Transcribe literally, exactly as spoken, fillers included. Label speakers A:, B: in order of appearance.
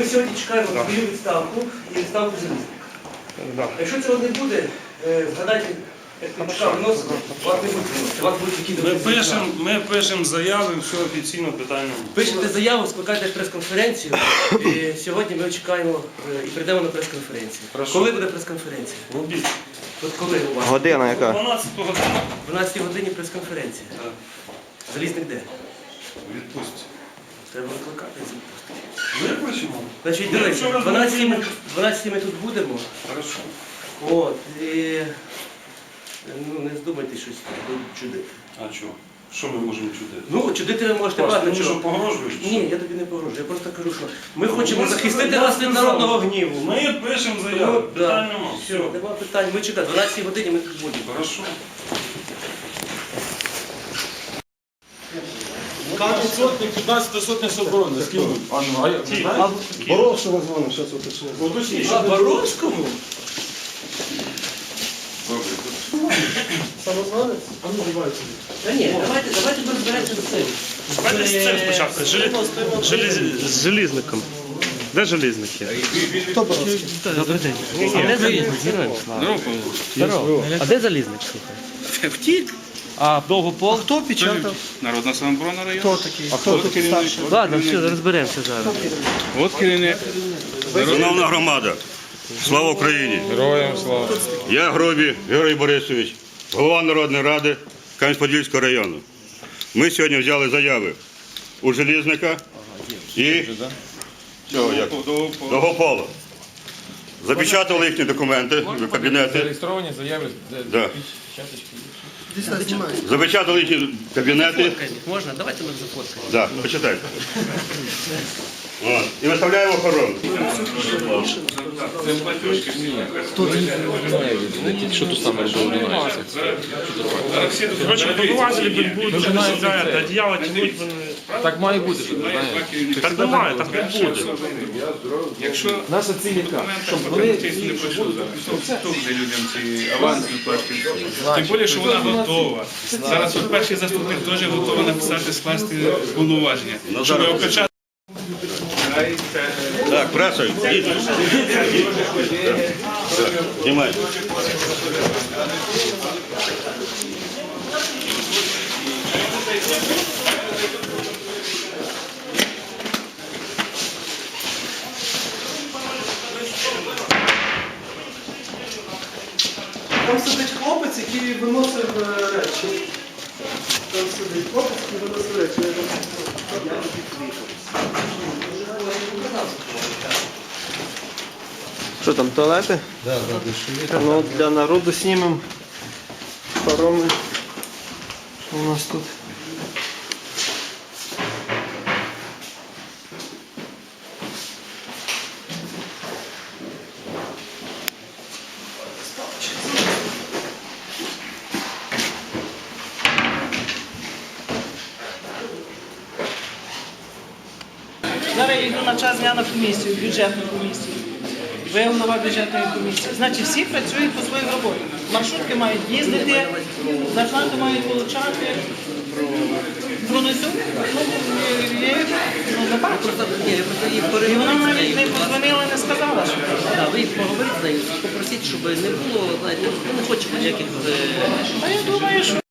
A: ми сьогодні чекаємо свою відставку і відставку залізника. Якщо цього не буде, е, згадайте, як ми чекали виносити, вас не буде виносити, вас будуть які
B: Ми пишемо, ми пишемо заяви, все офіційно питання.
A: Пишете заяву, скликайте прес-конференцію. І сьогодні ми чекаємо е, і прийдемо на прес-конференцію.
B: Хорошо.
A: Коли буде прес-конференція?
B: В обід.
A: От коли у вас?
C: Година яка?
B: дванадцятого години.
A: В дванадцятій годині прес-конференція.
B: Так.
A: Залізник де?
B: Відпустці.
A: Треба викликати.
B: Ми пишемо.
A: Значить,
B: Ми
A: дивіться,
B: вчора
A: в дванадцятій ми,
B: зробили.
A: в дванадцятій ми тут будемо.
B: Хорошо.
A: От, і ну, не здумайте щось чудити.
B: А що? Що ми можемо чудити?
A: Ну, чудити ви можете
B: Паш, ти
A: багато
B: мені що,
A: чого.
B: погрожуєш? чи
A: Ні,
B: що?
A: я тобі не погрожую, я просто кажу, що ми хочемо
B: Ми
A: захистити
B: сказали,
A: вас від
B: ми
A: народного
B: сказали.
A: гніву.
B: Ми пишемо
A: Ну,
B: заяву,
A: да.
B: питань нема.
A: Все,
B: Все.
A: нема питань. Ми чекаємо, в дванадцятій годині ми тут будемо.
B: Хорошо.
D: Кожен сотник, п'ятнадцята сотня оборони. З ким ви? А, ну, а я- ви знаєте?
E: Боровського дзвонив, зараз уточню.
D: Уточніть,
A: А
D: що ви-
A: Боровському?
E: Самозванець? А ну, давайте.
A: Та ні, давайте, давайте ми розберемося з цим.
F: Давайте з цим спочатку, з желі- з желіз- з желізником. Де желізники?
E: Хто Боровський?
F: Добрий день. А де залізник? Героям слава. Здорово. А де залізник, слухай?
G: Втік.
F: А довгопол?
E: Хто печатав?
G: Народна самооборона району.
E: Хто такий?
F: А хто тут старший? Ладно, все, розберемося зараз.
G: От керівник.
H: Шановна громада, слава Україні!
D: Героям слава.
H: Я Гробі Георгій Борисович, голова Народної ради Кам'янець-Подільського району. Ми сьогодні взяли заяви у Желізника і цього, як, Довгопола. Запечатали їхні документи в кабінети.
D: Зареєстровані заяви.
H: Да. Запечатали їхні кабінети.
A: Фоткайте, можна? Давайте ми зафоткаємо.
H: Да, почитайте. От. І виставляємо охорону.
D: Що тут саме що одинається?
F: Короче, побивателі будуть, не за це, одіяло тянуть.
D: Так має бути, що ви знаєте.
F: Так немає, так не буде.
G: Якщо
D: Наша ціль яка? Щоб
G: вони
D: вони...
G: не пройшли зараз, хто буде людям ці авансні платки? Тим більше, що вона готова. Зараз от перший заступник теж готовий написати, скласти повноваження. Щоб опечатати.
H: Так, преса, йдіть. Знімай.
E: Там сидить хлопець, який виносив е, речі. Там сидить хлопець, який виносив речі. Я його-
C: Що там, туалети? Так, да, ну, для народу знімемо пароми. Що у нас тут?
I: Зараз я йду на час дня на комісію, бюджетну комісію. Ви голова бюджетної комісії. Значить, всі працюють по своїй роботі. Маршрутки мають їздити, зарплату мають отримати. Пронесу? Ну, є, ну, не бачу.
A: Ні, я просто їх
I: І
A: перевірю.
I: вона навіть не подзвонила, не сказала, що.
A: Так, ви поговоріть з нею, попросіть, щоб не було, знаєте, ми не хочемо ніяких... е,
I: А я думаю, що